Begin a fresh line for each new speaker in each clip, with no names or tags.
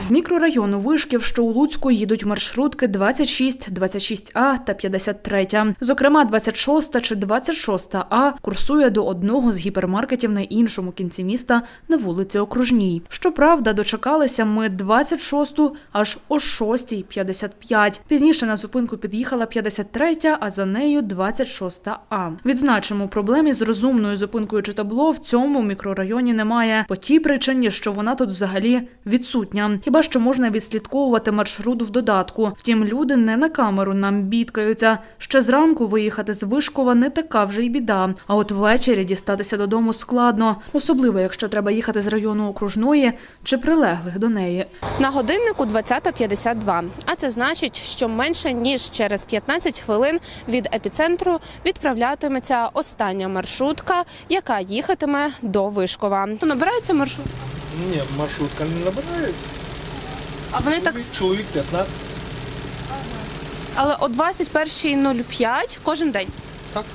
З мікрорайону Вишків, що у Луцьку, їдуть маршрутки 26, 26А та 53. Зокрема, 26 чи 26А курсує до одного з гіпермаркетів на іншому кінці міста на вулиці Окружній. Щоправда, дочекалися ми 26-ту аж о 6:55. Пізніше на зупинку під'їхала 53-я, а за нею 26А. Відзначимо, проблем із розумною зупинкою чи табло в цьому мікрорайоні немає. По тій причині, що вона тут взагалі відсутня. Хіба що можна відслідковувати маршрут в додатку. Втім, люди не на камеру нам бідкаються. Ще зранку виїхати з Вишкова не така вже й біда. А от ввечері дістатися додому складно. Особливо, якщо треба їхати з району Окружної чи прилеглих до неї.
На годиннику 20:52. А це значить, що менше ніж через 15 хвилин від епіцентру відправлятиметься остання маршрутка, яка їхатиме до Вишкова. Набирається маршрутка?
Ні, маршрутка не набирається.
А вони так...
Чоловік 15.
Але о 21:05 кожен день?
Так.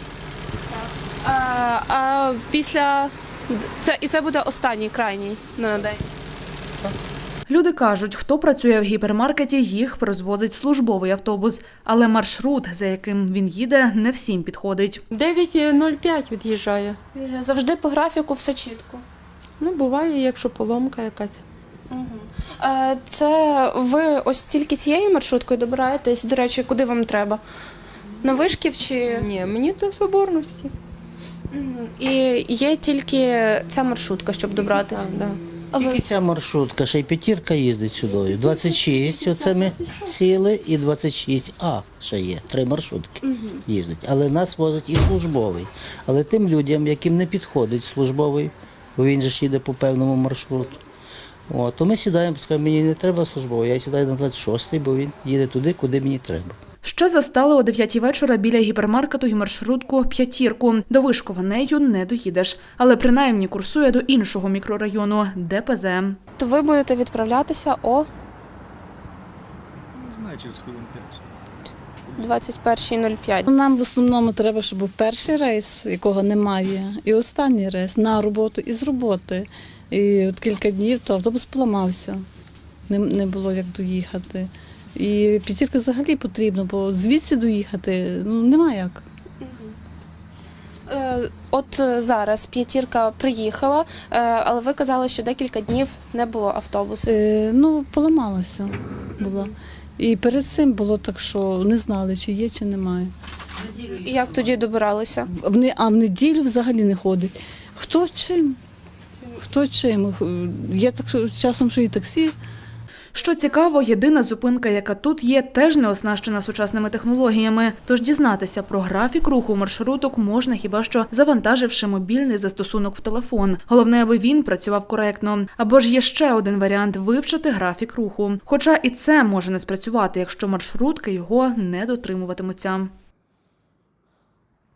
А після... це буде останній, крайній на день?
Так.
Люди кажуть, хто працює в гіпермаркеті, їх розвозить службовий автобус. Але маршрут, за яким він їде, не всім підходить.
9:05 від'їжджає.
Завжди по графіку все чітко?
Ну, буває, якщо поломка якась.
Це ви ось тільки цією маршруткою добираєтесь? До речі, куди вам треба? На Вишків чи…
Ні, мені до Соборності.
І є тільки ця маршрутка, щоб добратися?
Так, да.
Тільки ця маршрутка, ще й п'ятірка їздить сюди. 26, оце ми сіли, і 26А ще є. 3 маршрутки їздять. Але нас возить і службовий. Але тим людям, яким не підходить службовий, бо він же ж їде по певному маршруту, то ми сідаємо, скажемо, мені не треба службовий, я сідаю на 26-й, бо він їде туди, куди мені треба.
Ще застали о 9-й вечора біля гіпермаркету і маршрутку «П'ятірку». До Вишкова нею не доїдеш. Але принаймні курсує до іншого мікрорайону – ДПЗ.
То ви будете відправлятися о…
Не знаю, через хвилин 5.
21:05.
Нам в основному треба, щоб був перший рейс, якого немає, і останній рейс на роботу і з роботи. І от кілька днів то автобус поламався, не було як доїхати. І п'ятірка взагалі потрібно, бо звідси доїхати нема як.
От зараз п'ятірка приїхала, але ви казали, що декілька днів не було автобусу.
Поламалася була. І перед цим було так, що не знали, чи є, чи немає.
І як тоді добиралися?
А в неділю взагалі не ходить. Хто чим? Хто чим? Є так, що часом, що і таксі.
Що цікаво, єдина зупинка, яка тут є, теж не оснащена сучасними технологіями. Тож дізнатися про графік руху маршруток можна хіба що завантаживши мобільний застосунок в телефон. Головне, аби він працював коректно. Або ж є ще один варіант – вивчити графік руху. Хоча і це може не спрацювати, якщо маршрутки його не дотримуватимуться.